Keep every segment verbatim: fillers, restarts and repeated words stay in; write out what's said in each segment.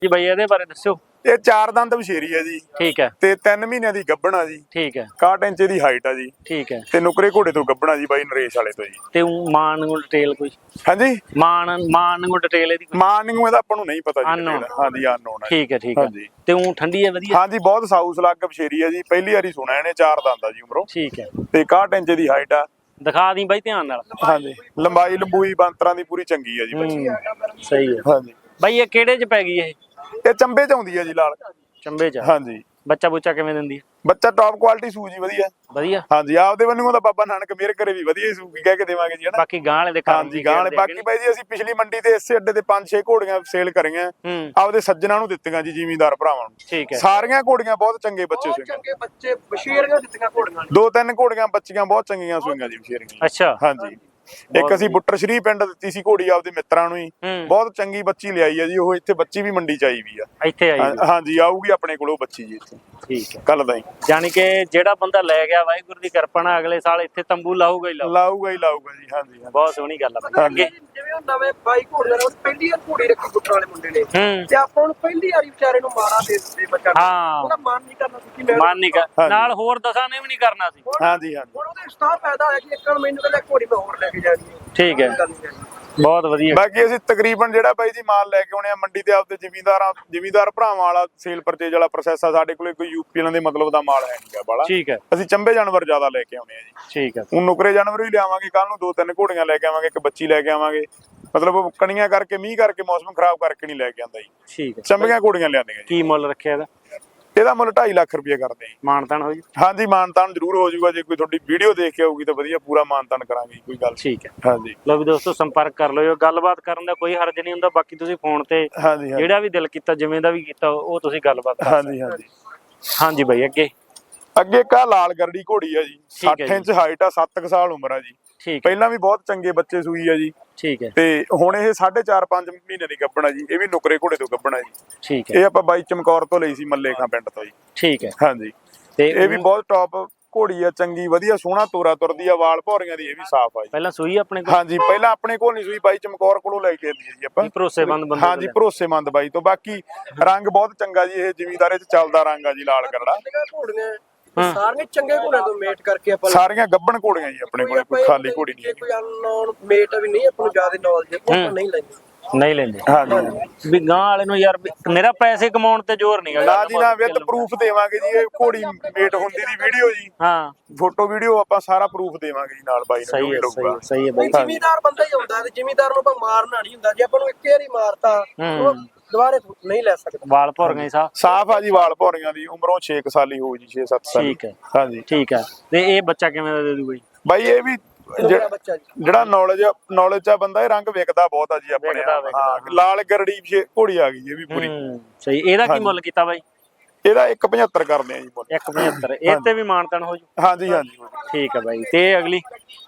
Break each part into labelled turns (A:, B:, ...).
A: ਜੀ ਬਾਈ ਇਹਦੇ ਬਾਰੇ ਦੱਸਿਓ।
B: ਇਹ ਚਾਰ ਦੰਦ ਬਸ਼ੇਰੀ ਹੈ ਜੀ।
A: ਠੀਕ ਹੈ।
B: ਤੇ ਤਿੰਨ ਮਹੀਨਿਆਂ ਦੀ ਗੱਭਣ ਆ ਜੀ।
A: ਠੀਕ ਹੈ।
B: ਇਕਾਹਠ ਇੰਚ ਦੀ ਹਾਈਟ ਆ ਜੀ।
A: ਠੀਕ ਹੈ।
B: ਤੇ ਨੁਕਰੇ ਘੋੜੇ ਤੋਂ ਗੱਭਣਾ ਜੀ ਬਾਈ ਨਰੇਸ਼ ਵਾਲੇ ਤੋਂ ਜੀ।
A: ਤੇ ਊਂ ਮਾਨ ਨੂੰ ਡਿਟੇਲ ਕੋਈ?
B: ਹਾਂਜੀ
A: ਮਾਨ ਮਾਨ ਨੂੰ ਡਿਟੇਲ ਇਹਦੀ?
B: ਮਾਨ ਨੂੰ ਇਹਦਾ ਆਪਾਂ ਨੂੰ ਨਹੀਂ ਪਤਾ ਜੀ।
A: Unknown।
B: ਹਾਂਜੀ ਅਨਨੋਨ ਹੈ।
A: ਠੀਕ ਹੈ ਠੀਕ ਹੈ।
B: ਹਾਂਜੀ
A: ਤੇ ਊਂ ਠੰਡੀ ਹੈ ਵਧੀਆ?
B: ਹਾਂਜੀ ਬਹੁਤ ਸਾਊ ਸਲੱਗ ਬਸ਼ੇਰੀ ਹੈ ਜੀ। ਪਹਿਲੀ ਵਾਰੀ ਸੁਣਿਆ ਇਹਨੇ। ਚਾਰ ਦੰਦ ਆ ਜੀ ਉਮਰੋਂ।
A: ਠੀਕ ਹੈ।
B: ਤੇ ਇਕਾਹਠ ਇੰਚ ਦੀ ਹਾਈਟ ਆ।
A: ਦਿਖਾ ਦੀ ਬਾਈ ਧਿਆਨ ਨਾਲ।
B: ਹਾਂਜੀ ਲੰਬਾਈ ਲੰਬੂਈ ਬਾਂਤਰਾਂ ਦੀ ਪੂਰੀ ਚੰਗੀ ਆ ਜੀ ਬੱਚੀ।
A: ਸਹੀ ਹੈ।
B: ਹਾਂਜੀ
A: ਬਾਈ ਇਹ ਕਿਹੜੇ ਚ ਪੈ ਗਈ ਇਹ?
B: ਇਹ ਚੰਬੇ ਚ ਆਉਂਦੀ ਹੈ ਜੀ ਲਾਲ।
A: ਚੰਬੇ ਚ?
B: ਹਾਂਜੀ।
A: ਬੱਚਾ ਬੁੱਚਾ ਕਿਵੇਂ ਦਿੰਦੀ ਹੈ?
B: ਬੱਚਾ ਟੌਪ ਕੁਆਲਿਟੀ ਸੂ ਜੀ ਵਧੀਆ।
A: ਵਧੀਆ।
B: ਹਾਂਜੀ ਆਪਦੇ ਵੱਲੋਂ ਤਾਂ ਬਾਬਾ ਨਾਨਕ ਮੇਰ ਕਰੇ ਵੀ ਵਧੀਆ ਸੂ ਕੀ ਕਹਿ ਕੇ ਦੇਵਾਂਗੇ ਜੀ ਹਨਾ।
A: ਬਾਕੀ ਗਾਂ ਵਾਲੇ ਦੇ ਕੰਮ
B: ਹਾਂਜੀ ਗਾਂ ਵਾਲੇ ਬਾਕੀ ਬਾਈ ਜੀ ਅਸੀਂ ਪਿਛਲੀ ਮੰਡੀ ਤੇ ਇਸੇ ਅੱਡੇ ਤੇ ਪੰਜ ਛੇ ਘੋੜੀਆਂ ਸੇਲ ਕਰੀਆਂ। ਆਪਦੇ ਸੱਜਣਾ ਨੂੰ ਦਿੱਤੀਆਂ ਜੀ ਜ਼ਿਮੀਂਦਾਰ ਭਰਾਵਾਂ ਨੂੰ।
A: ਠੀਕ ਹੈ।
B: ਸਾਰੀਆਂ ਘੋੜੀਆਂ ਬਹੁਤ ਚੰਗੇ ਬੱਚੇ ਸੂਈਆਂ।
C: ਚੰਗੇ ਬੱਚੇ ਬਸ਼ੀਰੀਆਂ ਦਿੱਤੀਆਂ ਘੋੜੀਆਂ।
B: ਦੋ ਤਿੰਨ ਘੋੜੀਆਂ ਬੱਚੀਆਂ ਬਹੁਤ ਚੰਗੀਆਂ ਸੂਈਆਂ ਜੀ ਬਸ਼ੀਰੀਆਂ।
A: ਅੱਛਾ।
B: ਹਾਂਜੀ ਇੱਕ ਅਸੀਂ ਬੁੱਟਰ ਸ਼੍ਰੀ ਪਿੰਡ ਦਿੱਤੀ ਸੀ ਘੋੜੀ ਆਪਦੇ ਮਿੱਤਰਾਂ ਨੂੰ ਹੀ। ਬਹੁਤ ਚੰਗੀ ਬੱਚੀ ਲਿਆਈ ਹੈ ਜੀ ਉਹ। ਇੱਥੇ ਬੱਚੀ ਵੀ ਮੰਡੀ ਚ ਆਈ ਵੀ ਆ।
A: ਇੱਥੇ ਆਈ?
B: ਹਾਂਜੀ ਆਊਗੀ ਆਪਣੇ ਕੋਲ ਉਹ ਬੱਚੀ ਜੀ ਇੱਥੇ।
A: ਠੀਕ ਹੈ।
B: ਕੱਲ ਦਾ ਹੀ
A: ਯਾਨੀ ਕਿ ਜਿਹੜਾ ਬੰਦਾ ਲੈ ਗਿਆ ਵਾਹਿਗੁਰੂ ਦੀ ਕਿਰਪਾ ਨਾਲ ਅਗਲੇ ਸਾਲ ਇੱਥੇ ਤੰਬੂ ਲਾਊਗਾ ਹੀ ਲਾਊਗਾ।
B: ਲਾਊਗਾ ਹੀ ਲਾਊਗਾ ਜੀ। ਹਾਂਜੀ
A: ਬਹੁਤ ਸੋਹਣੀ ਗੱਲ ਆ। ਅੱਗੇ
C: ਜਿਵੇਂ ਉਹ ਨਵੇਂ ਬਾਈ ਘੋੜੀਆਂ ਨੇ ਪਹਿਲੀ ਵਾਰ ਘੋੜੀ ਰੱਖੀ ਬੁੱਟਰ ਵਾਲੇ ਮੁੰਡੇ ਨੇ ਤੇ ਆਪਾਂ ਨੂੰ ਪਹਿਲੀ ਵਾਰੀ ਵਿਚਾਰੇ ਨੂੰ ਮਾਰਾ ਦੇ ਦਿੰਦੇ ਬੱਚਾ।
A: ਹਾਂ
C: ਉਹਦਾ ਮਨ ਨਹੀਂ ਕਰਨਾ ਸੀ ਕਿ
A: ਮਨ ਨਹੀਂ ਕਰ ਨਾਲ ਹੋਰ ਦਸਾਂ ਨੇ ਵੀ ਨਹੀਂ ਕਰਨਾ ਸੀ।
B: ਹਾਂਜੀ ਹਾਂਜੀ
C: ਹੁਣ ਉਹਦੇ ਉਸਤਾਦ ਪੈਦਾ ਹੋਇਆ ਕਿ ਇੱਕ ਮੈਨੂੰ ਕਹਿੰਦਾ ਘੋੜੀ ਮੈਂ ਹੋਰ ਲੈ ਕੇ ਜਾਣੀ ਹੈ।
A: ਠੀਕ ਹੈ। ਬਹੁਤ ਵਧੀਆ।
B: ਬਾਕੀ ਅਸੀਂ ਤਕਰੀਬਨ ਜਿਹੜਾ ਬਾਈ ਜੀ ਮਾਲ ਲੈ ਕੇ ਆਉਣੇ ਆ ਮੰਡੀ ਤੇ ਆਪਦੇ ਜ਼ਿਮੀਂਦਾਰਾਂ ਜ਼ਿਮੀਂਦਾਰ ਭਰਾਵਾਂ ਵਾਲਾ ਸੇਲ ਪਰਚੇਜ ਵਾਲਾ ਪ੍ਰੋਸੈਸ ਆ। ਸਾਡੇ ਕੋਲੇ ਕੋਈ ਯੂਪੀ ਵਾਲਿਆਂ ਦੇ ਮਤਲਬ ਦਾ ਮਾਲ ਹੈ ਨਹੀਂਗਾ ਬਾਲਾ।
A: ਠੀਕ ਹੈ।
B: ਅਸੀਂ ਚੰਬੇ ਜਾਨਵਰ ਜ਼ਿਆਦਾ ਲੈ ਕੇ ਆਉਣੇ ਆ ਜੀ।
A: ਠੀਕ ਹੈ।
B: ਹੁਣ ਨੁਕਰੇ ਜਾਨਵਰ ਵੀ ਲਿਆਵਾਂਗੇ ਕੱਲ ਨੂੰ। ਦੋ ਤਿੰਨ ਘੋੜੀਆਂ ਲੈ ਕੇ ਆਵਾਂਗੇ ਇੱਕ ਬੱਚੀ ਲੈ ਕੇ ਆਵਾਂਗੇ। ਮਤਲਬ ਉਹ ਕਣੀਆਂ ਕਰਕੇ ਮੀਂਹ ਕਰਕੇ ਮੌਸਮ ਖਰਾਬ ਕਰਕੇ ਨਹੀਂ ਲੈ ਕੇ ਆਂਦਾ ਜੀ।
A: ਠੀਕ ਹੈ।
B: ਚੰਬੀਆਂ ਘੋੜੀਆਂ ਲਿਆਂਦੀਆਂ ਜੀ।
A: ਕੀ ਮੁੱਲ ਰੱਖਿਆ ਇਹਦਾ?
B: ਇਹਦਾ ਮੁੱਲ ਢਾਈ ਲੱਖ ਰੁਪਏ ਕਰਦੇ ਜੀ।
A: ਮਾਨਤਾਨ ਹੋ ਜੀ?
B: ਹਾਂਜੀ ਮਾਨਤਾਨ ਜ਼ਰੂਰ ਹੋ ਜਾਊਗਾ। ਜੇ ਕੋਈ ਤੁਹਾਡੀ ਵੀਡੀਓ ਦੇਖ ਕੇ ਆਊਗੀ ਤਾਂ ਵਧੀਆ ਪੂਰਾ ਮਾਨਤਾਨ ਕਰਾਂਗੇ ਕੋਈ ਗੱਲ।
A: ਠੀਕ ਹੈ।
B: ਹਾਂਜੀ
A: ਲੋ ਵੀ ਦੋਸਤੋ ਸੰਪਰਕ ਕਰ ਲਿਓ। ਗੱਲਬਾਤ ਕਰਨ ਦਾ ਕੋਈ ਹਰਜ ਨਹੀਂ ਹੁੰਦਾ। ਬਾਕੀ ਤੁਸੀਂ ਫੋਨ ਤੇ
B: ਹਾਂਜੀ
A: ਜਿਹੜਾ ਵੀ ਦਿਲ ਕੀਤਾ ਜਿਵੇਂ ਦਾ ਵੀ ਕੀਤਾ ਉਹ ਤੁਸੀਂ ਗੱਲਬਾਤ ਕਰ ਸਕਦੇ।
B: ਹਾਂਜੀ ਹਾਂਜੀ
A: ਹਾਂਜੀ ਬਾਈ ਅੱਗੇ
B: ਅੱਗੇ ਕਾ ਲਾਲ ਗਰੜੀ ਘੋੜੀ ਆ ਜੀ।
A: ਠੀਕ ਹੈ
B: ਸੱਠ ਇੰਚ ਹਾਈਟ ਆ। ਸੱਤ ਕੁ ਸਾਲ ਉਮਰ ਆ ਜੀ।
A: ਠੀਕ।
B: ਪਹਿਲਾਂ ਵੀ ਬਹੁਤ ਚੰਗੇ ਬੱਚੇ ਸੂਈ ਆ ਜੀ।
A: ਠੀਕ ਹੈ।
B: ਤੇ ਹੁਣ ਇਹ ਸਾਢੇ ਚਾਰ ਪੰਜ ਮਹੀਨੇ ਦੀ ਗੱਭਣ ਆ ਜੀ। ਇਹ ਵੀ ਨੁਕਰੇ ਘੋੜੇ ਤੋਂ ਗੱਭਣ ਆ ਜੀ।
A: ਠੀਕ ਹੈ।
B: ਇਹ ਆਪਾਂ ਬਾਈ ਚਮਕੌਰ ਤੋਂ ਲਈ ਸੀ ਮੱਲੇ ਖਾਂ ਪਿੰਡ ਤੋਂ ਜੀ।
A: ਠੀਕ ਹੈ।
B: ਹਾਂਜੀ
A: ਤੇ
B: ਇਹ ਵੀ ਬਹੁਤ ਟੌਪ ਘੋੜੀ ਆ ਚੰਗੀ ਵਧੀਆ ਸੋਹਣਾ ਤੋਰਾ ਤੁਰਦੀ ਆ। ਵਾਲ ਭੌਰੀਆਂ ਦੀ ਇਹ ਵੀ ਸਾਫ਼ ਆ ਜੀ।
A: ਪਹਿਲਾਂ ਸੂਈ ਆਪਣੇ ਕੋਲ?
B: ਹਾਂਜੀ ਪਹਿਲਾਂ ਆਪਣੇ ਕੋਲ ਨਹੀਂ ਸੂਈ ਬਾਈ ਚਮਕੌਰ ਕੋਲੋਂ ਲੈ ਕੇ ਆਂਦੀ ਜੀ ਆਪਾਂ।
A: ਭਰੋਸੇਮੰਦ ਬੰਦੇ?
B: ਹਾਂਜੀ ਭਰੋਸੇਮੰਦ ਬਾਈ ਤੋਂ। ਬਾਕੀ ਰੰਗ ਬਹੁਤ ਚੰਗਾ ਜੀ। ਇਹ ਜ਼ਿਮੀਂਦਾਰੇ ਚ ਚੱਲਦਾ ਰੰਗ ਆ ਜੀ ਲਾਲ ਗਰੜਾ।
C: ਘੋੜੀਆਂ ਸਾਰੀਆਂ ਚੰਗੇ ਘੋੜਿਆਂ ਤੋਂ ਮੇਟ ਕਰਕੇ ਆਪਾਂ
B: ਸਾਰੀਆਂ ਗੱਭਣ ਘੋੜੀਆਂ ਜੀ ਆਪਣੇ ਕੋਲੇ। ਕੋਈ ਖਾਲੀ ਘੋੜੀ ਨਹੀਂ।
C: ਕੋਈ ਅਨਨੋਨ ਮੇਟ ਵੀ ਨਹੀਂ ਆਪਾਂ ਨੂੰ ਜ਼ਿਆਦਾ ਨੌਲੇਜ ਆਪਾਂ ਨਹੀਂ ਲੈਂਦੇ।
A: ਨਹੀਂ ਲੈਂਦੇ?
B: ਹਾਂਜੀ
A: ਵੀ ਗਾਂ ਵਾਲੇ ਨੂੰ ਯਾਰ ਮੇਰਾ ਪੈਸੇ ਕਮਾਉਣ ਤੇ ਜ਼ੋਰ ਨਹੀਂ
B: ਨਾ ਜੀ ਨਾ ਵਿਦ ਪ੍ਰੂਫ ਦੇਵਾਂਗੇ ਜੀ। ਇਹ ਘੋੜੀ ਮੇਟ ਹੁੰਦੀ ਦੀ ਵੀਡੀਓ ਜੀ।
A: ਹਾਂ
B: ਫੋਟੋ ਵੀਡੀਓ ਆਪਾਂ ਸਾਰਾ ਪ੍ਰੂਫ ਦੇਵਾਂਗੇ ਜੀ ਨਾਲ ਬਾਈ ਨੂੰ।
A: ਸਹੀ ਹੈ ਸਹੀ ਹੈ ਸਹੀ ਹੈ ਬਾਈ।
C: ਜ਼ਿਮੀਦਾਰ ਬੰਦਾ ਹੀ ਹੁੰਦਾ ਤੇ ਜ਼ਿਮੀਦਾਰ ਨੂੰ ਆਪਾਂ ਮਾਰਨਾ ਨਹੀਂ ਹੁੰਦਾ। ਜੇ ਆਪਾਂ ਨੂੰ ਇੱਕ ਵਾਰੀ ਮਾਰਤਾ ਉਹ ਦੁਬਾਰੇ ਨਹੀਂ ਲੈ ਸਕਦਾ।
A: ਵਾਲ ਭੌਰ ਗਏ ਸਾਹ
B: ਸਾਫ ਆ ਜੀ। ਵਾਲ ਭੌਰੀਆਂ ਦੀ ਉਮਰੋਂ ਛੇ ਕੁ ਸਾਲ ਹੀ ਹੋਊ ਜੀ। ਛੇ ਸੱਤ ਸਾਲ।
A: ਠੀਕ ਹੈ।
B: ਹਾਂਜੀ
A: ਠੀਕ ਹੈ। ਤੇ ਇਹ ਬੱਚਾ ਕਿਵੇਂ ਦਾ ਦੇ ਦੂ ਬਾਈ?
B: ਬਾਈ ਇਹ ਵੀ
C: ਬੱਚਾ ਜੀ
B: ਜਿਹੜਾ ਨੌਲੇਜ ਨੌਲੇਜ ਆ ਬੰਦਾ ਇਹ ਰੰਗ ਵਿਕਦਾ ਬਹੁਤ ਆ ਜੀ ਆਪਣੇ। ਹਾਂ ਲਾਲ ਗਰੜੀ ਘੋੜੀ ਆ ਗਈ ਇਹ ਵੀ ਪੂਰੀ।
A: ਸਹੀ। ਇਹਦਾ ਕੀ ਮੁੱਲ ਕੀਤਾ ਬਾਈ?
B: ਇਹਦਾ ਇੱਕ ਪਝੱਤਰ ਕਰਦੇ ਆ ਜੀ ਮੁੱਲ।
A: ਇੱਕ ਪਝੱਤਰ। ਇਹ ਤੇ ਵੀ ਮਾਨਤਾਨ ਹੋ ਜੂ?
B: ਹਾਂਜੀ ਹਾਂਜੀ
A: ਠੀਕ ਹੈ ਬਾਈ। ਤੇ ਅਗਲੀ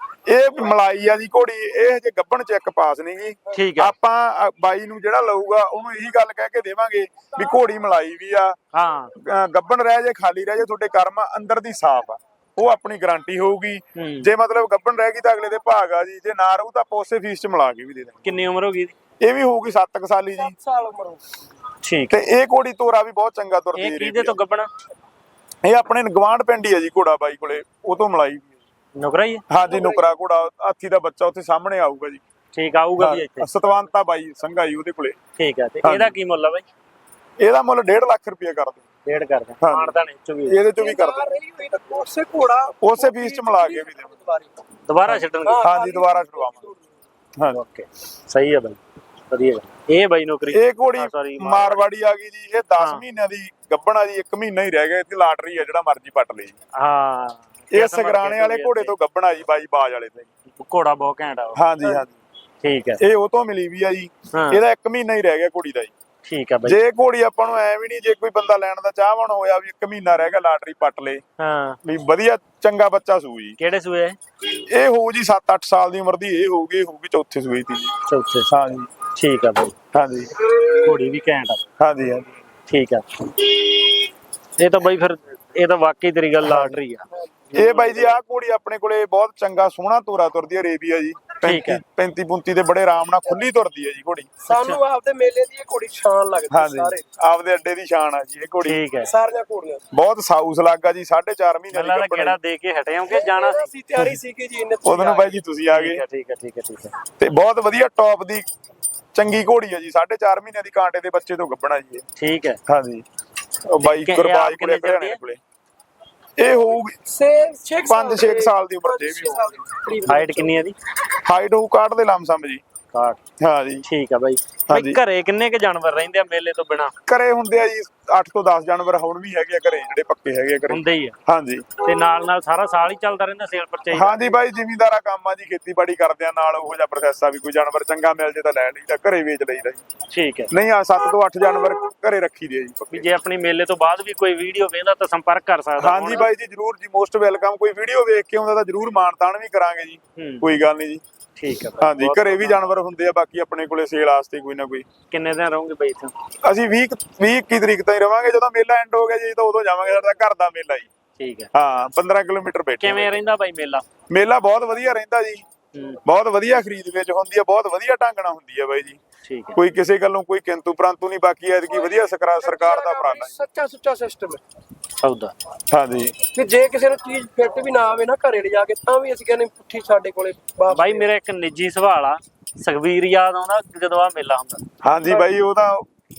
B: ਇਹ ਮਲਾਈ ਆ ਜੀ ਘੋੜੀ। ਇਹ ਹਜੇ ਗੱਭਣ ਚੈੱਕ ਪਾਸ ਨਹੀਂ ਗੀ।
A: ਠੀਕ ਹੈ।
B: ਆਪਾਂ ਬਾਈ ਨੂੰ ਜਿਹੜਾ ਲਊਗਾ ਉਹਨੂੰ ਇਹੀ ਗੱਲ ਕਹਿ ਕੇ ਦੇਵਾਂਗੇ ਵੀ ਘੋੜੀ ਮਲਾਈ ਵੀ ਆ।
A: ਹਾਂ
B: ਗੱਭਣ ਰਹਿ ਜੇ ਖਾਲੀ ਰਹਿ ਜੇ ਤੁਹਾਡੇ ਕਰਮ ਅੰਦਰ ਦੀ ਸਾਫ ਆ। ਉਹ ਆਪਣੀ ਗਾਰੰਟੀ ਹੋਊਗੀ। ਜੇ ਮਤਲਬ ਗੱਭਣ ਰਹਿ ਗਈ ਤਾਂ ਅਗਲੇ ਦੇ ਭਾਗ ਆ ਜੀ। ਜੇ ਨਾ ਰਹੂ ਤਾਂ ਆਪਾਂ ਉਸੇ ਫੀਸ ਚ ਮਿਲਾ ਕੇ ਵੀ ਦੇ ਦਾਂਗੇ।
A: ਕਿੰਨੀ ਉਮਰ ਹੋ ਗਈ?
B: ਇਹ ਵੀ ਹੋਊਗੀ ਸੱਤ ਕੁ ਸਾਲੀ ਜੀ।
C: ਸਾਲ ਉਮਰ ਹੋ।
A: ਠੀਕ।
B: ਤੇ ਇਹ ਘੋੜੀ ਤੋਰਾ ਵੀ ਬਹੁਤ ਚੰਗਾ ਤੁਰਦੀ।
A: ਇਹ ਕਿਹਦੇ ਤੋਂ ਗੱਭਣ?
B: ਇਹ ਆਪਣੇ ਗਵਾਂਢ ਪਿੰਡ ਹੀ ਆ ਜੀ। ਘੋੜਾ ਬਾਈ ਕੋਲੇ ਉਹ ਤੋਂ ਮਲਾਈ।
A: ਨੁਕਰਾ ਹੀ?
B: ਹਾਂਜੀ ਨੁਕਰਾ ਘੋੜਾ। ਹਾਥੀ ਦਾ ਬੱਚਾ ਉੱਥੇ ਸਾਹਮਣੇ ਆਊਗਾ ਜੀ।
A: ਠੀਕ ਆਊਗਾ ਵੀ ਇੱਥੇ?
B: ਸਤਵੰਤਾ ਬਾਈ ਸੰਘਾ ਜੀ ਉਹਦੇ ਕੋਲੇ।
A: ਠੀਕ ਹੈ। ਤੇ ਇਹਦਾ ਕੀ ਮੁੱਲ ਆ ਬਾਈ?
B: ਇਹਦਾ ਮੁੱਲ ਡੇਢ ਲੱਖ ਰੁਪਏ ਕਰ ਦਿਓ।
A: ਡੇਢ ਕਰ ਦੇ। ਮਾਨਤਾਨ ਇਹ ਚੋਂ ਵੀ
B: ਇਹਦੇ ਚੋਂ ਵੀ ਕਰ ਦਿਓ।
C: ਉਸੇ ਘੋੜਾ
B: ਉਸੇ ਫੀਸ ਚ ਮਿਲਾ ਕੇ ਵੀ ਦੇਵਾਂਗੇ।
A: ਦੁਬਾਰਾ ਛੱਡਣਗੇ?
B: ਹਾਂਜੀ ਦੁਬਾਰਾ ਛਡਵਾਵਾਂਗੇ। ਹਾਂਜੀ
A: ਓਕੇ ਸਹੀ ਹੈ ਬਾਈ ਵਧੀਆ। ਇਹ ਬਾਈ ਨੌਕਰੀ
B: ਇਹ ਘੋੜੀ ਮਾਰਵਾੜੀ ਆ ਗਈ ਜੀ। ਇਹ ਦਸ ਮਹੀਨਿਆਂ ਦੀ ਗੱਭਣ ਆ ਜੀ। ਇੱਕ ਮਹੀਨਾ ਹੀ ਰਹਿ ਗਿਆ। ਇੱਥੇ ਲਾਟਰੀ ਆ ਜਿਹੜਾ ਮਰਜ਼ੀ ਪੱਟ ਲਈ।
A: ਹਾਂ
B: ਇਹ ਸਗਰਾਣੇ ਵਾਲੇ ਘੋੜੇ ਤੋਂ ਗੱਭਣ ਆ ਜੀ ਬਾਈ ਬਾਜ ਵਾਲੇ ਤੋਂ।
A: ਘੋੜਾ ਬਹੁਤ ਘੈਂਟ ਆ।
B: ਹਾਂਜੀ ਹਾਂਜੀ
A: ਠੀਕ ਹੈ।
B: ਇਹ ਉਹ ਤੋਂ ਮਿਲੀ ਵੀ ਆ ਜੀ। ਇਹਦਾ ਇੱਕ ਮਹੀਨਾ ਹੀ ਰਹਿ ਗਿਆ ਘੋੜੀ ਦਾ ਜੀ।
A: ਠੀਕ ਹੈ ਬਾਈ।
B: ਜੇ ਘੋੜੀ ਆਪਾਂ ਨੂੰ ਐ ਵੀ ਨਹੀਂ ਜੇ ਕੋਈ ਬੰਦਾ ਲੈਣ ਦਾ ਚਾਹਵਾਨ ਹੋਇਆ ਵੀ ਇੱਕ ਮਹੀਨਾ ਰਹਿ ਗਿਆ ਲਾਟਰੀ ਪੱਟ ਲੇ।
A: ਹਾਂ
B: ਵੀ ਵਧੀਆ ਚੰਗਾ ਬੱਚਾ ਸੂ ਜੀ।
A: ਕਿਹੜੇ ਸੂਏ?
B: ਇਹ ਹੋਊ ਜੀ ਸੱਤ ਅੱਠ ਸਾਲ ਦੀ ਉਮਰ ਦੀ। ਇਹ ਹੋਊਗੀ ਇਹ ਹੋਊਗੀ ਚੌਥੇ ਸੂਏ ਦੀ ਜੀ।
A: ਚੌਥੇ।
B: ਹਾਂਜੀ
A: ਠੀਕ ਆ ਬਾਈ।
B: ਹਾਂਜੀ
A: ਘੋੜੀ ਵੀ ਘੈਂਟ ਆ।
B: ਹਾਂਜੀ ਹਾਂਜੀ
A: ਠੀਕ ਆ। ਇਹ ਤਾਂ ਬਾਈ ਫਿਰ ਇਹ ਤਾਂ ਵਾਕਈ ਤੇਰੀ ਗੱਲ ਲਾਟਰੀ ਆ।
B: ਇਹ ਬਾਈ ਜੀ ਆਹ ਘੋੜੀ ਆਪਣੇ ਕੋਲੇ ਬਹੁਤ ਚੰਗਾ ਸੋਹਣਾ ਤੋਰਾ ਤੁਰਦੀ ਹੈ ਅਰੇਬੀਆ ਜੀ।
A: ਠੀਕ ਹੈ।
B: ਪੈਂਤੀ ਪੁੰਤੀ ਦੇ ਬੜੇ ਆਰਾਮ ਨਾਲ ਖੁੱਲੀ ਤੁਰਦੀ ਹੈ ਜੀ ਘੋੜੀ।
C: ਸਾਨੂੰ ਆਪਦੇ ਮੇਲੇ ਦੀ ਇਹ ਘੋੜੀ ਸ਼ਾਨ ਲੱਗਦੀ
B: ਹਾਂਜੀ
C: ਸਾਰੇ
B: ਆਪਦੇ ਅੱਡੇ ਦੀ ਸ਼ਾਨ ਆ ਜੀ ਇਹ ਘੋੜੀ।
A: ਠੀਕ ਹੈ।
C: ਸਾਰੀਆਂ ਘੋੜੀਆਂ
B: ਬਹੁਤ ਸਾਊਸ ਲੱਗਾ ਜੀ ਸਾਢੇ ਚਾਰ ਮਹੀਨੇ ਦੀ
A: ਗੱਲਾਂ ਦਾ
B: ਗੱਭਣ
A: ਕਿਹੜਾ ਦੇ ਕੇ ਹਟੇ ਹੋ ਕਿ ਜਾਣਾ ਸੀ?
C: ਅਸੀਂ ਤਿਆਰੀ ਸੀ ਕਿ ਜੀ ਇਹਨੇ
B: ਉਹਦੋਂ ਨੂੰ ਬਾਈ ਜੀ ਤੁਸੀਂ ਆ
A: ਠੀਕ
B: ਗਏ
A: ਹੈ ਠੀਕ ਹੈ ਠੀਕ ਹੈ ਠੀਕ ਹੈ
B: ਤੇ ਬਹੁਤ ਵਧੀਆ ਟੌਪ ਦੀ ਚੰਗੀ ਘੋੜੀ ਹੈ ਜੀ। ਸਾਢੇ ਚਾਰ ਮਹੀਨਿਆਂ ਦੀ ਕਾਂਟੇ ਦੇ ਬੱਚੇ ਤੋਂ ਗੱਭਣਾ ਜੀ ਇਹ।
A: ਠੀਕ ਹੈ।
B: ਹਾਂਜੀ ਉਹ ਬਾਈ
A: ਕਿ-
B: ਗੁਰਬਾਜ
A: ਇਹ
B: ਕੋਲੇ
A: ਕਿੰਨੇ ਚਿਰ ਦੀ
B: ਘਰਿਆਣੇ
A: ਹੈ?
B: ਕੋਲੇ ਇਹ ਹੋਊਗੀ
C: ਛੇ ਛੇ
B: ਪੰਜ ਛੇ ਸਾਲ ਦੀ ਉਮਰ ਦੇ ਵੀ
A: ਹਾਈਟ ਕਿੰਨੀ ਹੈ ਦੀ?
B: ਹਾਈਟ ਹੋਊ ਕਾਟ ਦੇ ਲਮਸਮ ਜੀ।
A: ਕਾਟ।
B: ਹਾਂ ਜੀ
A: ਠੀਕ ਆ ਬਾਈ।
B: ਹਾਂਜੀ।
A: ਬਾਈ ਘਰੇ ਕਿੰਨੇ ਕ ਜਾਨਵਰ ਰਹਿੰਦੇ ਆ ਮੇਲੇ ਤੋਂ ਬਿਨਾ?
B: ਘਰੇ ਹੁੰਦੇ ਆ ਜੀ ਅੱਠ ਤੋਂ ਦਸ ਜਾਨਵਰ ਹੁਣ ਵੀ ਹੈਗੇ ਆ ਘਰੇ ਜਿਹੜੇ ਪੱਕੇ ਹੈਗੇ ਆ ਘਰੇ।
A: ਹੁੰਦੇ ਹੀ ਆ
B: ਹਾਂਜੀ
A: ਤੇ ਨਾਲ ਨਾਲ ਸਾਰਾ ਸਾਲ ਹੀ ਚੱਲਦਾ ਰਹਿੰਦਾ ਸੇਲ ਪਰਚੇਜ?
B: ਹਾਂਜੀ ਬਾਈ ਜ਼ਿਮੀਂਦਾਰਾ ਕੰਮ ਆ ਜੀ ਖੇਤੀਬਾੜੀ ਕਰਦੇ ਆ ਨਾਲ ਉਹੋ ਜਿਹਾ ਪ੍ਰੋਸੈਸ ਆ ਵੀ ਕੋਈ ਜਾਨਵਰ ਚੰਗਾ ਮਿਲ ਜੇ ਤਾਂ ਲੈ ਲਈਦਾ ਘਰੇ ਵੇਚ ਲਈਦਾ ਜੀ।
A: ਠੀਕ ਹੈ।
B: ਨਹੀਂ ਆ ਸੱਤ ਤੋਂ ਅੱਠ ਜਾਨਵਰ ਘਰੇ ਰੱਖੀ ਦੇ ਆ ਜੀ
A: ਵੀ
B: ਪੱਕੇ।
A: ਜੇ ਆਪਣੀ ਮੇਲੇ ਤੋਂ ਬਾਅਦ ਵੀ ਕੋਈ ਵੀਡੀਓ ਵੇਖਦਾ ਤਾਂ ਸੰਪਰਕ ਕਰ ਸਕਦਾ?
B: ਹਾਂਜੀ ਬਾਈ ਜੀ ਜਰੂਰ ਜੀ ਮੋਸਟ ਵੈਲਕਮ। ਕੋਈ ਵੀਡੀਓ ਵੇਖ ਕੇ ਆਉਂਦਾ ਤਾਂ ਜਰੂਰ ਮਾਨਤਾਨ ਵੀ ਕਰਾਂਗੇ ਜੀ।
A: ਹੂੰ।
B: ਕੋਈ ਗੱਲ ਨਹੀਂ ਜੀ।
A: ਠੀਕ ਹੈ ਬਾਈ।
B: ਹਾਂਜੀ ਘਰੇ ਵੀ ਜਾਨਵਰ ਹੁੰਦੇ ਆ ਬਾਕੀ ਆਪਣੇ ਕੋਲੇ ਸੇਲ ਵਾਸਤੇ ਕੋਈ ਨਾ ਕੋਈ।
A: ਕਿੰਨੇ ਦਿਨ ਰਹੋਗੇ ਬਾਈ ਇੱਥੇ?
B: ਅਸੀਂ ਵੀਹ ਵੀਹ ਇੱਕੀ ਤਰੀਕ ਤਾਈਂ ਰਵਾਂਗੇ। ਜਦੋਂ ਮੇਲਾ ਐਂਡ ਹੋ ਗਿਆ ਜੀ ਤਾਂ ਉਦੋਂ ਜਾਵਾਂਗੇ। ਸਾਡਾ ਘਰ ਦਾ ਮੇਲਾ ਜੀ।
A: ਠੀਕ ਹੈ।
B: ਹਾਂ ਪੰਦਰਾਂ ਕਿਲੋਮੀਟਰ ਬੈਠੇ।
A: ਕਿਵੇਂ ਰਹਿੰਦਾ ਬਾਈ ਮੇਲਾ?
B: ਮੇਲਾ ਬਹੁਤ ਵਧੀਆ ਰਹਿੰਦਾ ਜੀ।
A: ਹੂੰ।
B: ਬਹੁਤ ਵਧੀਆ ਖਰੀਦ ਵੇਚ ਹੁੰਦੀ ਆ ਬਹੁਤ ਵਧੀਆ ਢੰਗ ਨਾਲ ਹੁੰਦੀ ਆ ਬਾਈ ਜੀ।
A: ਠੀਕ ਹੈ।
B: ਕੋਈ ਕਿਸੇ ਗੱਲੋਂ ਕੋਈ ਕਿੰਤੂ ਪਰੰਤੂ ਨਹੀਂ। ਬਾਕੀ ਐਤਕੀ ਵਧੀਆ ਸਰਕਾਰ ਸਰਕਾਰ ਦਾ ਉਪਰਾਲਾ ਜੀ।
C: ਸੱਚਾ ਸੁੱਚਾ ਸਿਸਟਮ ਹੈ
A: ਸੌਦਾ।
B: ਹਾਂਜੀ
C: ਕਿ ਜੇ ਕਿਸੇ ਨੂੰ ਚੀਜ਼ ਫਿੱਟ ਵੀ ਨਾ ਆਵੇ ਨਾ ਘਰੇ ਲਿਜਾ ਕੇ ਤਾਂ ਵੀ ਅਸੀਂ ਕਹਿੰਦੇ ਪੁੱਠੀ ਸਾਡੇ ਕੋਲੇ ਵਾਪਸ
A: ਬਾਈ ਮੇਰਾ ਇੱਕ ਨਿੱਜੀ ਸਵਾਲ ਆ, ਸੁਖਬੀਰ ਯਾਦ ਆਉਂਦਾ ਜਦੋਂ ਆ ਮੇਲਾ ਹੁੰਦਾ?
B: ਹਾਂਜੀ ਬਾਈ ਉਹ ਤਾਂ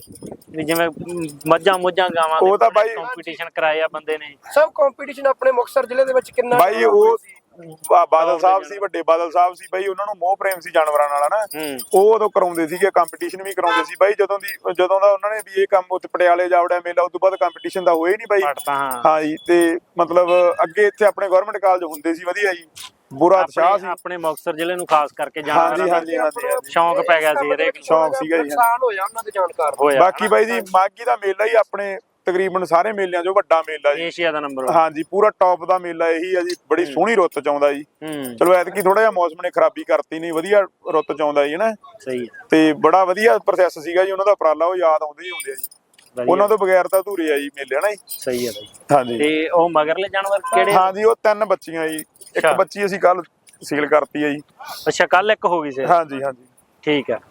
A: ਵੀ ਜਿਵੇਂ ਮੱਝਾਂ ਮੁੱਝਾਂ ਗਾਵਾਂ
B: ਉਹ ਤਾਂ ਬਾਈ-
A: ਕੰਪੀਟੀਸ਼ਨ ਕਰਾਇਆ ਬੰਦੇ ਨੇ।
C: ਸਭ ਕੰਪੀਟੀਸ਼ਨ ਆਪਣੇ ਮੁਕਤਸਰ ਜ਼ਿਲ੍ਹੇ ਦੇ ਵਿੱਚ ਕਿੰਨਾ
B: ਬਾਈ ਉਹ ਬਾ- ਬਾਦਲ ਸਾਹਿਬ ਸੀ ਵੱਡੇ ਬਾਦਲ ਸਾਹਿਬ ਸੀ ਬਾਈ। ਉਹਨਾਂ ਨੂੰ ਮੋਹ ਪ੍ਰੇਮ ਸੀ ਜਾਨਵਰਾਂ ਨਾਲ ਹਨਾ।
A: ਹੂੰ।
B: ਉਹ ਉਦੋਂ ਕਰਾਉਂਦੇ ਸੀਗੇ ਕੰਪੀਟੀਸ਼ਨ ਵੀ ਕਰਾਉਂਦੇ ਸੀ ਬਾਈ। ਜਦੋਂ ਦੀ ਜਦੋਂ ਦਾ ਉਹਨਾਂ ਨੇ ਵੀ ਇਹ ਕੰਮ ਉੱਥੇ ਪਟਿਆਲੇ ਜਾਵੜਿਆ ਮੇਲਾ ਉਸ ਤੋਂ ਬਾਅਦ ਕੰਪੀਟੀਸ਼ਨ ਦਾ ਹੋਇਆ ਹੀ ਨਹੀਂ ਬਾਈ।
A: ਫੜਤਾ ਹਾਂ।
B: ਹਾਂ ਜੀ ਤੇ ਮਤਲਬ ਅੱਗੇ ਇੱਥੇ ਆਪਣੇ ਗਵਰਨਮੈਂਟ ਕਾਲਜ ਹੁੰਦੇ ਸੀ ਵਧੀਆ ਜੀ। ਬੁਰਾ ਉਤਸ਼ਾਹ ਸੀ।
A: ਆਪਣੇ ਆਪਣੇ ਮੁਕਤਸਰ ਜ਼ਿਲ੍ਹੇ ਨੂੰ ਖਾਸ ਕਰਕੇ
B: ਹਾਂਜੀ
A: ਜਾਨਵਰਾਂ ਦਾ
B: ਹਾਂਜੀ ਹਾਂਜੀ ਹਾਂਜੀ।
A: ਸ਼ੌਂਕ ਪੈ ਗਿਆ ਸੀ ਹਰੇਕ ਨੂੰ।
B: ਸ਼ੌਂਕ ਸੀਗਾ ਜੀ।
C: ਨੁਕਸਾਨ ਹੋਇਆ ਉਹਨਾਂ ਦੇ ਜਾਣਕਾਰ
A: ਹੋਇਆ
B: ਬਾਕੀ ਬਾਈ ਜੀ ਮਾਘੀ ਦਾ ਮੇਲਾ ਹੀ ਆਪਣੇ ਤਕਰੀਬਨ ਸਾਰੇ ਮੇਲਿਆਂ 'ਚੋਂ ਵੱਡਾ ਮੇਲਾ ਜੀ।
A: ਏਸ਼ੀਆ ਦਾ ਨੰਬਰ।
B: ਹਾਂਜੀ ਪੂਰਾ ਟੌਪ ਦਾ ਮੇਲਾ ਇਹੀ ਆ ਜੀ। ਬੜੀ ਸੋਹਣੀ ਰੁੱਤ 'ਚ ਆਉਂਦਾ ਜੀ।
A: ਹੂੰ।
B: ਚਲੋ ਐਤਕੀ ਥੋੜਾ ਜਿਹਾ ਮੌਸਮ ਨੇ ਖਰਾਬੀ ਕਰਤੀ ਨਹੀਂ ਵਧੀਆ ਰੁੱਤ 'ਚ ਆਉਂਦਾ ਜੀ ਨਾ।
A: ਸਹੀ ਹੈ।
B: ਤੇ ਬੜਾ ਵਧੀਆ ਪ੍ਰੋਸੈਸ ਸੀਗਾ ਜੀ ਉਹਨਾਂ ਦਾ ਉਪਰਾਲਾ। ਉਹ ਯਾਦ ਆਉਂਦੇ ਹੀ ਆਉਂਦੇ ਆ ਜੀ।
A: ਵਧੀਆ।
B: ਉਹਨਾਂ ਤੋਂ ਬਗੈਰ ਤਾਂ ਅਧੂਰੇ ਆ ਜੀ ਮੇਲੇ ਹਨਾ ਜੀ।
A: ਸਹੀ ਹੈ ਬਾਈ।
B: ਹਾਂਜੀ
A: ਤੇ ਉਹ ਮਗਰਲੇ ਜਾਨਵਰ ਕਿਹੜੇ?
B: ਹਾਂਜੀ ਉਹ ਤਿੰਨ ਬੱਚੀਆਂ ਜੀ। ਇੱਕ
A: ਅੱਛਾ।
B: ਬੱਚੀ ਅਸੀਂ ਕੱਲ ਸੀਲ ਕਰਤੀ ਹੈ ਜੀ।
A: ਅੱਛਾ ਕੱਲ ਇੱਕ ਹੋ ਗਈ ਸੀ?
B: ਹਾਂਜੀ ਹਾਂਜੀ
A: ਠੀਕ ਹੈ।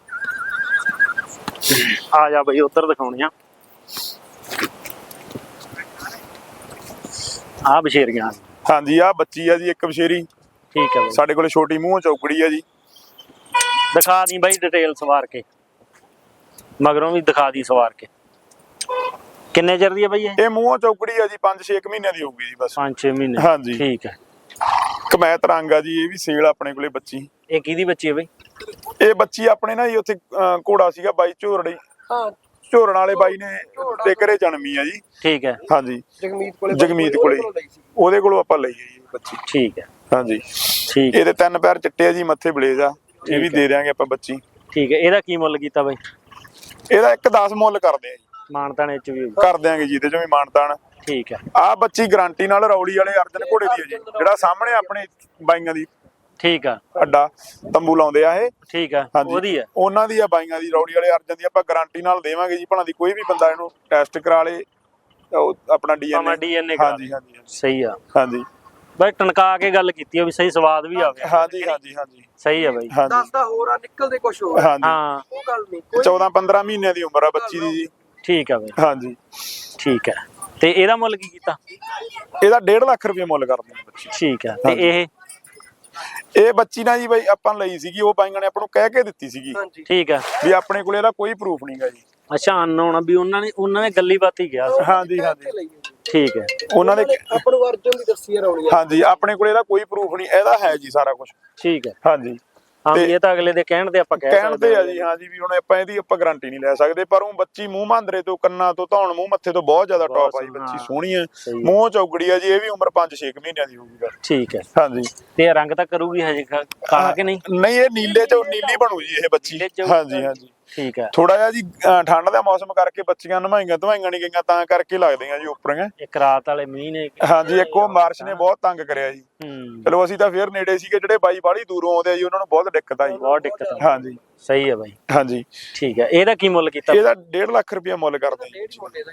A: ਆ ਜਾ ਬਈ ਉਧਰ ਦਿਖਾਉਣੀਆਂ ਆ ਬਸ਼ੇਰੀਆਂ।
B: ਹਾਂਜੀ ਆ ਬੱਚੀ ਆ ਜੀ ਇੱਕ ਬਸ਼ੇਰੀ।
A: ਠੀਕ ਹੈ ਬਈ।
B: ਸਾਡੇ ਕੋਲੇ ਛੋਟੀ ਮੂੰਹ ਚੌਕੜੀ ਆ ਜੀ।
A: ਦਿਖਾ ਦੀ ਬਾਈ ਡਿਟੇਲ ਸਵਾਰ ਕੇ, ਮਗਰੋਂ ਵੀ ਦਿਖਾ ਦੀ ਸਵਾਰ ਕੇ। ਕਿੰਨੇ ਚਿਰ ਦੀ ਹੈ ਬਾਈ ਇਹ?
B: ਇਹ ਮੂੰਹ ਚੌਕੜੀ ਆ ਜੀ ਪੰਜ ਛੇ ਮਹੀਨਿਆਂ ਦੀ ਹੋਊਗੀ ਜੀ ਬਸ।
A: ਪੰਜ ਛੇ ਮਹੀਨੇ।
B: ਹਾਂਜੀ।
A: ਠੀਕ ਹੈ।
B: ਕਮੈਤ ਰੰਗ ਆ ਜੀ। ਇਹ ਵੀ ਸੇਲ ਆਪਣੇ ਕੋਲੇ ਬੱਚੀ।
A: ਇਹ ਕਿਹਦੀ ਬੱਚੀ ਹੈ ਬਾਈ?
B: ਇਹ ਬੱਚੀ ਆਪਣੇ ਨਾ ਜੀ ਉੱਥੇ ਅਹ, ਘੋੜਾ ਸੀਗਾ ਬਾਈ ਝੋਰੜੀ
C: ਹਾਂ
B: ਝੋਰਣ ਵਾਲੇ ਬਾਈ ਨੇ ਤੇ ਘਰੇ ਜਨਮੀ ਆ ਜੀ।
A: ਠੀਕ ਹੈ।
B: ਹਾਂਜੀ
C: ਜਗਮੀਤ ਕੋਲੇ
B: ਜਗਮੀਤ ਕੋਲੇ ਉਹਦੇ ਕੋਲੋਂ ਆਪਾਂ ਲਈ ਜੀ ਬੱਚੀ।
A: ਠੀਕ ਹੈ।
B: ਹਾਂਜੀ
A: ਠੀਕ
B: ਇਹਦੇ ਤਿੰਨ ਪੈਰ ਚਿੱਟੇ ਆ ਜੀ ਮੱਥੇ ਬਲੇਜ ਆ। ਇਹ ਵੀ ਦੇ ਦਿਆਂਗੇ ਆਪਾਂ ਬੱਚੀ।
A: ਠੀਕ ਹੈ। ਇਹਦਾ ਕੀ ਮੁੱਲ ਕੀਤਾ ਬਾਈ?
B: ਇਹਦਾ ਇੱਕ ਦਸ ਮੁੱਲ ਕਰਦੇ ਆ ਜੀ।
A: ਮਾਨਤਾਣੇ ਚ ਵੀ
B: ਕਰ ਦਿਆਂਗੇ ਜੀ ਇਹਦੇ ਚੋਂ ਵੀ ਮਾਨਤਾਨ।
A: ਠੀਕ ਹੈ।
B: ਆ ਬੱਚੀ ਗਾਰੰਟੀ ਨਾਲ ਰੌਲੀ ਵਾਲੇ ਅਰਜਨ ਘੋੜੇ ਦੀ ਹੈ ਜੀ। ਜਿਹੜਾ ਸਾਹਮਣੇ ਆਪਣੇ ਬਾਈਆਂ ਦੀ
A: ਠੀਕ ਆ।
B: ਅੱਡਾ ਤੰਬੂ ਲਾਉਂਦੇ ਆ ਇਹ।
A: ਠੀਕ ਆ ਉਹਦੀ ਆ।
B: ਉਹਨਾਂ ਦੀ ਆ ਬਾਈਆਂ ਦੀ ਰੌਲੀ ਵਾਲੇ ਅਰਜਨ ਦੀ ਆਪਾਂ ਗਾਰੰਟੀ ਨਾਲ ਦੇਵਾਂਗੇ ਜੀ। ਭਲਾ ਦੀ ਕੋਈ ਵੀ ਬੰਦਾ ਇਹਨੂੰ ਟੈਸਟ ਕਰਾ ਲੇ ਉਹ ਆਪਣਾ ਡੀਐਨਏ
A: ਡੀਐਨਏ
B: ਹਾਂਜੀ ਹਾਂਜੀ
A: ਸਹੀ ਆ।
B: ਹਾਂਜੀ
A: ਬਾਈ ਟਣਕਾ ਕੇ ਗੱਲ ਕੀਤੀ ਆ ਵੀ ਸਹੀ ਸਵਾਦ ਵੀ ਆਵੇ।
B: ਹਾਂਜੀ ਹਾਂਜੀ ਹਾਂਜੀ
A: ਸਹੀ ਆ ਬਾਈ।
B: ਹਾਂਜੀ
C: ਦੱਸਦਾ ਹੋਰ ਆ ਨਿਕਲਦੇ ਕੁਝ ਹੋਰ
B: ਹਾਂਜੀ
A: ਹਾਂ
C: ਉਹ ਗੱਲ ਨਹੀਂ ਕੋਈ
B: ਚੌਦਾਂ ਪੰਦਰਾਂ ਮਹੀਨਿਆਂ ਦੀ ਉਮਰ ਆ ਬੱਚੀ ਦੀ ਜੀ।
A: ਠੀਕ ਆ ਬਾਈ।
B: ਹਾਂਜੀ
A: ਠੀਕ ਹੈ। ਤੇ ਇਹਦਾ ਮੁੱਲ ਕੀ ਕੀਤਾ?
B: ਇਹਦਾ ਡੇਢ ਲੱਖ ਰੁਪਏ ਮੁੱਲ ਕਰਦੇ ਆ ਬੱਚੀ।
A: ਠੀਕ ਆ। ਤੇ ਇਹ
B: ਇਹ ਬੱਚੀ ਨਾ ਜੀ ਬਾਈ ਆਪਾਂ ਲਈ ਸੀਗੀ। ਉਹ ਬਾਈਆਂ ਨੇ ਆਪਾਂ ਨੂੰ ਕਹਿ ਕੇ ਦਿੱਤੀ ਸੀਗੀ
C: ਹਾਂਜੀ
A: ਠੀਕ ਆ।
B: ਵੀ ਆਪਣੇ ਕੋਲ ਇਹਦਾ ਕੋਈ ਪ੍ਰੂਫ ਨਹੀਂਗਾ ਜੀ।
A: ਅੱਛਾ ਅਨਨੋਨ ਵੀ ਉਹਨਾਂ ਨੇ ਉਹਨਾਂ ਨੇ ਗੱਲੀ ਬਾਤੀ ਕਿਹਾ ਸੀ।
B: ਹਾਂਜੀ ਹਾਂਜੀ
A: ਠੀਕ ਹੈ।
B: ਉਹਨਾਂ ਦੇ
C: ਆਪਾਂ ਨੂੰ ਅਰਜਨ ਦੀ ਦੱਸੀ ਰੌਲੀ
B: ਹਾਂਜੀ ਆਪਣੇ ਕੋਲ ਇਹਦਾ ਕੋਈ ਪ੍ਰੂਫ ਨਹੀਂ। ਇਹਦਾ ਹੈ ਜੀ ਸਾਰਾ ਕੁਝ।
A: ਠੀਕ ਹੈ।
B: ਹਾਂਜੀ
A: ਹਾਂ ਵੀ ਇਹ ਤਾਂ ਅਗਲੇ ਦੇ ਕਹਿਣ ਤੇ ਆਪਾਂ ਕਹਿ
B: ਕਹਿਣ
A: ਸਕਦੇ
B: ਤੇ ਆ ਜੀ। ਹਾਂਜੀ ਵੀ ਹੁਣ ਆਪਾਂ ਇਹਦੀ ਆਪਾਂ ਗਾਰੰਟੀ ਨਹੀਂ ਲੈ ਸਕਦੇ। ਪਰ ਉਹ ਬੱਚੀ ਮੂੰਹ ਮਾਂਦਰੇ ਤੋਂ ਕੰਨਾਂ ਤੋਂ ਧੌਣ ਮੂੰਹ ਮੱਥੇ ਤੋਂ ਬਹੁਤ ਜ਼ਿਆਦਾ ਟੌਪ ਆਈ ਬੱਚੀ। ਸੋਹਣੀ ਹੈ ਮੂੰਹ ਚੌਗੜੀ ਆ ਜੀ। ਇਹ ਵੀ ਉਮਰ ਪੰਜ ਛੇ ਮਹੀਨਿਆਂ ਦੀ ਹੋਊਗੀ।
A: ਠੀਕ ਹੈ।
B: ਹਾਂਜੀ
A: ਤੇ ਰੰਗ ਤਾਂ ਕਰੂਗੀ ਹਜੇ ਕਾਲਾ ਕਿ ਨਹੀਂ?
B: ਨਹੀਂ ਇਹ ਨੀਲੇ ਚ ਨੀਲੀ ਬਣੂ ਜੀ ਇਹ ਬੱਚੀ। ਹਾਂਜੀ ਹਾਂਜੀ
A: ਠੀਕ ਹੈ।
B: ਥੋੜਾ ਜਿਹਾ ਜੀ ਅਹ ਠੰਡ ਦਾ ਮੌਸਮ ਕਰਕੇ ਬੱਚੀਆਂ ਨਵਾਈਆਂ ਧਵਾਈਆਂ ਨਹੀਂ ਗਈਆਂ ਤਾਂ ਕਰਕੇ ਲੱਗਦੀਆਂ ਜੀ ਉੱਪਰੀਆਂ।
A: ਇੱਕ ਰਾਤ ਵਾਲੇ ਮੀਂਹ ਨੇ
B: ਹਾਂਜੀ ਇੱਕ ਉਹ ਮਾਰਚ ਨੇ ਬਹੁਤ ਤੰਗ ਕਰਿਆ ਜੀ।
A: ਹੂੰ
B: ਚਲੋ ਅਸੀਂ ਤਾਂ ਫੇਰ ਨੇੜੇ ਸੀਗੇ, ਜਿਹੜੇ ਬਾਈ ਬਾਹਲੀ ਦੂਰੋਂ ਆਉਂਦੇ ਆ ਜੀ ਉਹਨਾਂ ਨੂੰ ਬਹੁਤ ਦਿੱਕਤ ਆਈ।
A: ਬਹੁਤ ਦਿੱਕਤ ਆ।
B: ਹਾਂਜੀ
A: ਸਹੀ ਹੈ ਬਾਈ।
B: ਹਾਂਜੀ
A: ਠੀਕ ਹੈ। ਇਹਦਾ ਕੀ ਮੁੱਲ ਕੀਤਾ?
B: ਇਹਦਾ ਡੇਢ ਲੱਖ ਰੁਪਇਆ ਮੁੱਲ ਕਰਦੇ ਜੀ।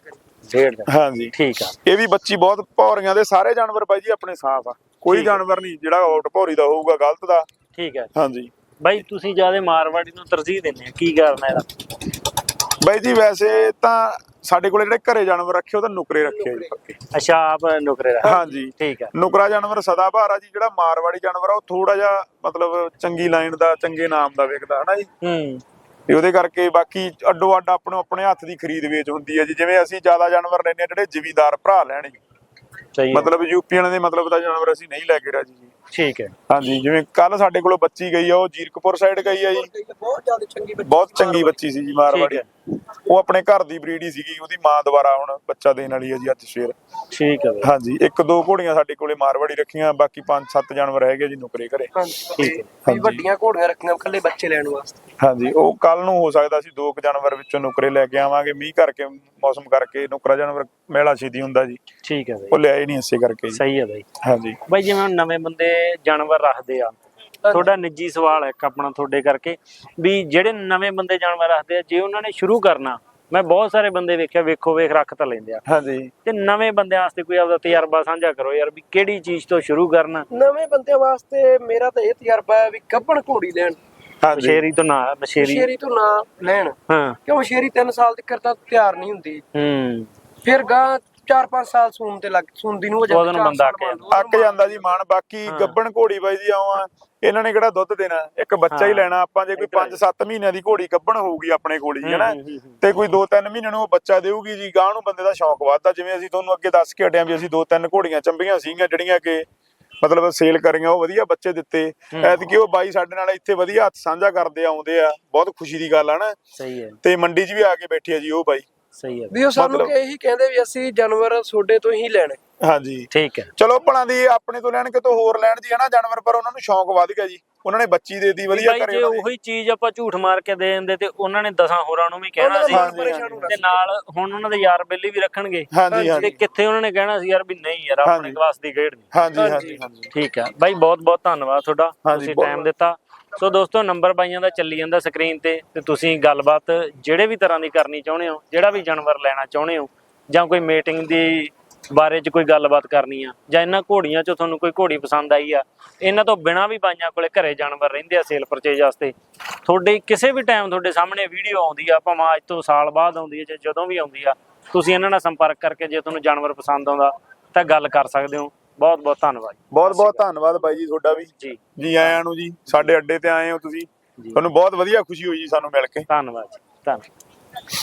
A: ਡੇਢ ਦਾ।
B: ਹਾਂਜੀ
A: ਠੀਕ ਆ।
B: ਇਹ ਵੀ ਬੱਚੀ ਬਹੁਤ ਭੌਰੀਆਂ ਦੇ ਸਾਰੇ ਜਾਨਵਰ ਬਾਈ ਜੀ ਆਪਣੇ ਸਾਫ ਆ, ਕੋਈ ਜਾਨਵਰ ਨਹੀਂ ਜਿਹੜਾ ਆਊਟ ਭੌਰੀ ਦਾ ਹੋਊਗਾ ਗਲਤ ਦਾ।
A: ਠੀਕ ਹੈ
B: ਹਾਂਜੀ
A: ਬਾਈ, ਤੁਸੀਂ ਜਿਆਦਾ ਮਾਰਵਾੜੀ ਨੂੰ ਤਰਜੀਹ ਦਿੰਦੇ ਆ, ਕੀ ਕਾਰਨ ਹੈ ਇਹਦਾ?
B: ਬਾਈ ਜੀ ਵੈਸੇ ਤਾਂ ਸਾਡੇ ਕੋਲੇ ਜਿਹੜੇ ਘਰੇ ਜਾਨਵਰ ਰੱਖੇ ਉਹ ਤਾਂ ਨੁਕਰੇ ਰੱਖੇ ਜੀ ਪੱਕੇ।
A: ਅੱਛਾ ਆਪ ਨੁਕਰੇ ਦਾ।
B: ਹਾਂਜੀ
A: ਠੀਕ ਹੈ।
B: ਨੁਕਰਾ ਜਾਨਵਰ ਸਦਾਬਹਾਰ ਆ ਜੀ, ਜਿਹੜਾ ਮਾਰਵਾੜੀ ਜਾਨਵਰ ਆ ਉਹ ਥੋੜਾ ਜਿਹਾ ਮਤਲਬ ਚੰਗੀ ਲਾਈਨ ਦਾ ਚੰਗੇ ਨਾਮ ਦਾ ਵਿਕਦਾ ਹਨਾ ਜੀ।
A: ਹੂੰ
B: ਤੇ ਉਹਦੇ ਕਰਕੇ ਬਾਕੀ ਅੱਡੋ ਅੱਡ ਆਪਣੋ ਆਪਣੇ ਹੱਥ ਦੀ ਖਰੀਦ ਵੇਚ ਹੁੰਦੀ ਹੈ ਜੀ। ਜਿਵੇਂ ਅਸੀਂ ਜ਼ਿਆਦਾ ਜਾਨਵਰ ਲੈਣੇ ਆ ਜਿਹੜੇ ਜ਼ਿਮੀਦਾਰ ਭਰਾ ਲੈਣ ਜੀ,
A: ਸਹੀ
B: ਮਤਲਬ ਯੂਪੀਆਂ ਦੇ ਮਤਲਬ ਦਾ ਜਾਨਵਰ ਅਸੀਂ ਨਹੀਂ ਲੈ ਕੇ ਰਾਜੀ ਜੀ।
A: ਠੀਕ ਹੈ।
B: ਹਾਂਜੀ ਜਿਵੇਂ ਕੱਲ ਸਾਡੇ ਕੋਲੋਂ ਬੱਚੀ ਗਈ ਆ, ਉਹ ਜੀਰਕਪੁਰ ਸਾਈਡ ਗਈ ਆ ਜੀ,
C: ਬਹੁਤ ਜ਼ਿਆਦਾ ਚੰਗੀ ਬੱਚੀ,
B: ਬਹੁਤ ਚੰਗੀ ਬੱਚੀ ਸੀ ਜੀ ਮਾਰਵਾੜੀ। ਉਹ ਆਪਣੇ ਘਰ ਦੀ ਬਰੀਡ ਹੀ ਸੀਗੀ, ਉਹਦੀ ਮਾਂ ਦੁਬਾਰਾ ਹੁਣ ਬੱਚਾ ਦੇਣ ਵਾਲੀ ਹੈ ਜੀ ਅੱਜ ਸਵੇਰ।
A: ਠੀਕ ਹੈ ਬਾਈ।
B: ਹਾਂਜੀ ਇੱਕ ਦੋ ਘੋੜੀਆਂ ਸਾਡੇ ਕੋਲੇ ਮਾਰਵਾੜੀ ਰੱਖੀਆਂ, ਬਾਕੀ ਪੰਜ ਸੱਤ ਜਾਨਵਰ ਹੈਗੇ ਜੀ ਨੁਕਰੇ ਘਰੇ।
A: ਠੀਕ ਹੈ।
C: ਵੀ ਵੱਡੀਆਂ ਘੋੜੀਆਂ ਰੱਖੀਆਂ ਇਕੱਲੇ ਬੱਚੇ ਲੈਣ ਵਾਸਤੇ।
B: ਹਾਂਜੀ ਉਹ ਕੱਲ ਨੂੰ ਹੋ ਸਕਦਾ ਸੀ ਦੋ ਕੁ ਜਾਨਵਰ ਵਿੱਚੋਂ ਨੁਕਰੇ ਲੈ ਕੇ ਆਵਾਂਗੇ, ਮੀਂਹ ਕਰਕੇ ਮੌਸਮ ਕਰਕੇ ਨੁਕਰਾ ਜਾਨਵਰ ਮੇਲਾ ਛੇਤੀ ਹੁੰਦਾ ਜੀ,
A: ਠੀਕ ਹੈ ਬਾਈ।
B: ਉਹ ਲਿਆਏ ਨਹੀਂ ਇਸੇ ਕਰਕੇ ਜੀ।
A: ਸਹੀ ਹੈ ਬਾਈ।
B: ਹਾਂਜੀ
A: ਬਾਈ ਜਿਵੇਂ ਹੁਣ ਨਵੇਂ ਬੰਦੇ ਜਾਨਵਰ ਰੱਖਦੇ ਆ, ਤੁਹਾਡਾ ਨਿੱਜੀ ਸਵਾਲ ਹੈ ਇੱਕ ਆਪਣਾ ਤੁਹਾਡੇ ਕਰਕੇ, ਵੀ ਜਿਹੜੇ ਨਵੇਂ ਬੰਦੇ ਜਾਨਵਰ ਰੱਖਦੇ ਆ, ਜੇ ਉਹਨਾਂ ਨੇ ਸ਼ੁਰੂ ਕਰਨਾ, ਮੈਂ ਬਹੁਤ ਸਾਰੇ ਬੰਦੇ ਵੇਖਿਆ ਵੇਖੋ ਵੇਖ ਰੱਖ ਤਾਂ ਲੈਂਦੇ ਆ,
B: ਹਾਂਜੀ
A: ਤੇ ਨਵੇਂ ਬੰਦਿਆਂ ਵਾਸਤੇ ਕੋਈ ਆਪਦਾ ਤਜਰਬਾ ਸਾਂਝਾ ਕਰੋ ਯਾਰ, ਵੀ ਕਿਹੜੀ ਚੀਜ਼ ਤੋਂ ਸ਼ੁਰੂ ਕਰਨਾ।
C: ਨਵੇਂ ਬੰਦਿਆਂ ਵਾਸਤੇ ਮੇਰਾ ਤਾਂ ਇਹ ਤਜਰਬਾ ਹੈ ਵੀ ਗੱਭਣ ਘੋੜੀ ਲੈਣ,
B: ਹਾਂਜੀ
A: ਮਸ਼ੇਰੀ ਤੋਂ ਨਾ ਮਸ਼ੇਰੀ
C: ਮਸ਼ੇਰੀ ਤੋਂ ਨਾ ਲੈਣ,
A: ਹਾਂ
C: ਕਿਉਂ ਮਸ਼ੇਰੀ ਤਿੰਨ ਸਾਲ ਤੱਕ ਤਾਂ ਤਿਆਰ ਨਹੀਂ ਹੁੰਦੀ,
A: ਹੂੰ
C: ਫਿਰ ਗਾਂ ਚਾਰ ਪੰਜ ਸਾਲ ਸੂਣ ਤੇ ਲੱਗ ਸੂਣਦੀ ਨੂੰ ਹੋ ਜਾਂਦੀ,
A: ਉਦੋਂ ਨੂੰ ਬੰਦਾ ਅੱਕ ਜਾਂਦਾ।
B: ਅੱਕ ਜਾਂਦਾ ਜੀ ਮਾਨ। ਬਾਕੀ ਗੱਬਣ ਘੋੜੀ ਬਾਈ ਜੀ ਆਵਾਂ, ਇਹਨਾਂ ਨੇ ਕਿਹੜਾ ਦੁੱਧ ਦੇਣਾ, ਇੱਕ ਬੱਚਾ ਹੀ ਲੈਣਾ ਆਪਾਂ। ਜੇ ਕੋਈ ਪੰਜ ਸੱਤ ਮਹੀਨਿਆਂ ਦੀ ਘੋੜੀ ਗੱਬਣ ਹੋਊਗੀ ਆਪਣੇ ਕੋਲ ਹੀ ਹਨਾ, ਤੇ ਕੋਈ ਦੋ ਤਿੰਨ ਮਹੀਨਿਆਂ ਨੂੰ ਉਹ ਬੱਚਾ ਦੇਊਗੀ ਜੀ, ਗਾਂ ਨੂੰ ਬੰਦੇ ਦਾ ਸ਼ੌਂਕ ਵੱਧਦਾ। ਜਿਵੇਂ ਅਸੀਂ ਤੁਹਾਨੂੰ ਅੱਗੇ ਦੱਸ ਕੇ ਹਟਿਆ ਵੀ ਅਸੀਂ ਦੋ ਤਿੰਨ ਘੋੜੀਆਂ ਚੰਬੀਆਂ ਸੀਗੀਆਂ ਜਿਹੜੀਆਂ ਕਿ ਮਤਲਬ ਸੇਲ ਕਰੀਆਂ, ਉਹ ਵਧੀਆ ਬੱਚੇ ਦਿੱਤੇ। ਐਤਕੀ ਉਹ ਬਾਈ ਸਾਡੇ ਨਾਲ ਇੱਥੇ ਵਧੀਆ ਹੱਥ ਸਾਂਝਾ ਕਰਦੇ ਆਉਂਦੇ ਆ, ਬਹੁਤ ਖੁਸ਼ੀ ਦੀ ਗੱਲ ਆ ਨਾ।
A: ਸਹੀ ਹੈ।
B: ਤੇ ਮੰਡੀ 'ਚ ਵੀ ਆ ਕੇ ਬੈਠੇ ਆ ਜੀ ਉਹ ਬਾਈ।
A: ਸਹੀ ਹੈ
C: ਵੀ ਉਹ ਸਾਨੂੰ ਕਿ ਇਹੀ ਕਹਿੰਦੇ ਵੀ ਅਸੀਂ ਜਾਨਵਰ ਤੁਹਾਡੇ ਤੋਂ ਹੀ ਲੈਣੇ।
B: ਹਾਂਜੀ
A: ਠੀਕ ਹੈ।
B: ਚਲੋ ਭਲਾਂ ਦੀ ਆਪਣੇ ਤੋਂ ਲੈਣ ਕਿਤੋਂ ਹੋਰ ਲੈਣ ਜੀ ਹਨਾ ਜਾਨਵਰ, ਪਰ ਉਹਨਾਂ ਨੂੰ ਸ਼ੌਂਕ ਵੱਧ ਗਿਆ ਜੀ, ਉਹਨਾਂ ਨੇ ਬੱਚੀ ਦੇ ਦਿੱਤੀ ਵਧੀਆ
A: ਬਾਈ
B: ਘਰੇ।
A: ਜੇ ਉਹੀ ਚੀਜ਼ ਆਪਾਂ ਝੂਠ ਮਾਰ ਕੇ ਦੇ ਦਿੰਦੇ ਤੇ ਉਹਨਾਂ ਨੇ ਦਸਾਂ ਹੋਰਾਂ ਨੂੰ ਵੀ ਕਹਿਣਾ ਸੀ, ਤੇ ਨਾਲ ਹੁਣ ਉਹਨਾਂ ਦੇ ਯਾਰ ਬੇਲੀ ਵੀ ਰੱਖਣਗੇ,
B: ਹਾਂਜੀ
A: ਤੇ
B: ਹਾਂਜੀ
A: ਕਿੱਥੇ ਉਹਨਾਂ ਨੇ ਕਹਿਣਾ ਸੀ ਯਾਰ ਵੀ ਨਹੀਂ ਯਾਰ ਆਪਣੇ ਕਲਾਸ ਦੀ ਖੇਡ ਨਹੀਂ।
B: ਹਾਂਜੀ ਹਾਂਜੀ ਹਾਂਜੀ
A: ਠੀਕ ਹੈ ਬਾਈ, ਬਹੁਤ ਬਹੁਤ ਧੰਨਵਾਦ ਤੁਹਾਡਾ,
B: ਹਾਂਜੀ,
A: ਤੁਸੀਂ
B: ਬਹੁਤ-
A: ਟਾਈਮ ਦਿੱਤਾ। ਸੋ ਦੋਸਤੋ ਨੰਬਰ ਬਾਈਆਂ ਦਾ ਚੱਲੀ ਜਾਂਦਾ ਸਕਰੀਨ ਤੇ, ਤੇ ਤੁਸੀਂ ਗੱਲਬਾਤ ਜਿਹੜੇ ਵੀ ਤਰ੍ਹਾਂ ਦੀ ਕਰਨੀ ਚਾਹੁੰਦੇ ਹੋ, ਜਿਹੜਾ ਵੀ ਜਾਨਵਰ ਲੈਣਾ ਚਾਹੁੰਦੇ ਹੋ, ਜਾਂ ਕੋਈ ਮੀਟਿੰਗ ਦੀ ਬਾਰੇ 'ਚ ਕੋਈ ਗੱਲਬਾਤ ਕਰਨੀ ਆ, ਜਾਂ ਇਹਨਾਂ ਘੋੜੀਆਂ 'ਚੋਂ ਤੁਹਾਨੂੰ ਕੋਈ ਘੋੜੀ ਪਸੰਦ ਆਈ ਆ, ਇਹਨਾਂ ਤੋਂ ਬਿਨਾਂ ਵੀ ਬਾਈਆਂ ਕੋਲੇ ਘਰੇ ਜਾਨਵਰ ਰਹਿੰਦੇ ਆ ਸੇਲ ਪਰਚੇਜ ਵਾਸਤੇ, ਤੁਹਾਡੇ ਕਿਸੇ ਵੀ ਟਾਈਮ ਤੁਹਾਡੇ ਸਾਹਮਣੇ ਵੀਡੀਓ ਆਉਂਦੀ ਆ, ਭਾਵੇਂ ਅੱਜ ਤੋਂ ਸਾਲ ਬਾਅਦ ਆਉਂਦੀ ਹੈ ਜਾਂ ਜਦੋਂ ਵੀ ਆਉਂਦੀ ਆ, ਤੁਸੀਂ ਇਹਨਾਂ ਨਾਲ ਸੰਪਰਕ ਕਰਕੇ ਜੇ ਤੁਹਾਨੂੰ ਜਾਨਵਰ ਪਸੰਦ ਆਉਂਦਾ ਤਾਂ ਗੱਲ ਕਰ ਸਕਦੇ ਹੋ। ਬਹੁਤ ਬਹੁਤ ਧੰਨਵਾਦ।
B: ਬਹੁਤ ਬਹੁਤ ਧੰਨਵਾਦ ਬਾਈ ਜੀ ਤੁਹਾਡਾ ਵੀ
A: ਜੀ
B: ਜੀ ਆਇਆਂ ਨੂੰ ਜੀ, ਸਾਡੇ ਅੱਡੇ ਤੇ ਆਏ ਹੋ ਤੁਸੀਂ, ਤੁਹਾਨੂੰ ਬਹੁਤ ਵਧੀਆ ਖੁਸ਼ੀ ਹੋਈ ਜੀ ਸਾਨੂੰ ਮਿਲ ਕੇ।
A: ਧੰਨਵਾਦ ਜੀ, ਧੰਨਵਾਦ।